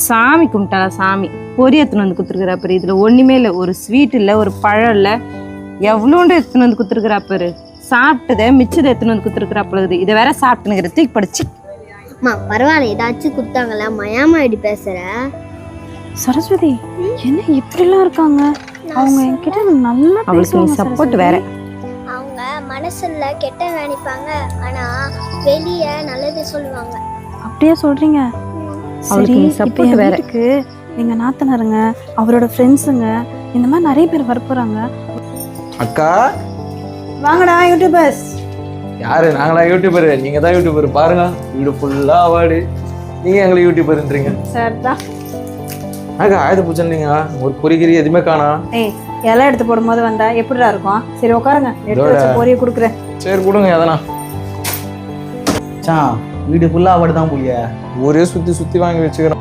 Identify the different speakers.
Speaker 1: சாமி கும்பிட்டாளா சாமி பொரி எடுத்துன்னு வந்து குத்துருக்குறாப்பாரு. இதுல ஒண்ணுமே இல்லை, ஒரு ஸ்வீட் இல்லை, ஒரு பழம் இல்லை, எவ்வளோண்டு எடுத்துன்னு வந்து குத்துருக்குறாப்பாரு. சாப்பிட்டதை மிச்சதை எடுத்துன்னு வந்து குத்துருக்குறாப்புல. இதை வேற சாப்பிட்டுனுங்கிற தூக்கி படிச்சு.
Speaker 2: அம்மா பரவாயில்ல, ஏதாச்சும் கொடுத்தாங்களா? மயாமா இப்படி பேசுற?
Speaker 3: சரஸ்வதி என்ன இப்படிலாம் இருக்காங்க? அவங்க என்கிட்ட நல்லா
Speaker 1: அவளுக்கு நீ சப்போர்ட் வேற.
Speaker 2: அவங்க மனசுல கெட்ட நினைப்பாங்க, ஆனா வெளியே நல்லது சொல்லுவாங்க.
Speaker 3: அப்படியே சொல்றீங்க? சரி, இப்போ என் வீட்டுக்கு எங்க நாத்தனாருங்க, அவரோட ஃப்ரெண்ட்ஸுங்க, இந்த மாதிரி நிறைய பேர் வரப்போறாங்க.
Speaker 4: அக்கா
Speaker 3: வாங்கடா யூடியூபர்ஸ்.
Speaker 4: யாரு? நாங்களா யூடியூபர்? நீங்க தான் யூடியூபர். பாருங்க வீடு ஃபுல்லா அவார்டு, நீங்க எங்களை யூடியூபர்ன்றீங்க.
Speaker 3: சார் தான்
Speaker 4: அக்கா ஆயுத பூஜைன்னீங்க, ஒரு பொறிகிரி எதுவுமே காணா.
Speaker 3: ஏய், இலை எடுத்து போடும்போது வந்தா எப்படிடா இருக்கும்? சரி உட்காருங்க, எடுத்து வச்ச பொரியை கொடுக்குறேன்.
Speaker 4: சரி கொடுங்க எதனா.
Speaker 5: வீடு ஃபுல்லா அவார்டு தான் போலியா?
Speaker 4: ஒரே சுத்தி சுத்தி வாங்கி வச்சுக்கிறோம்.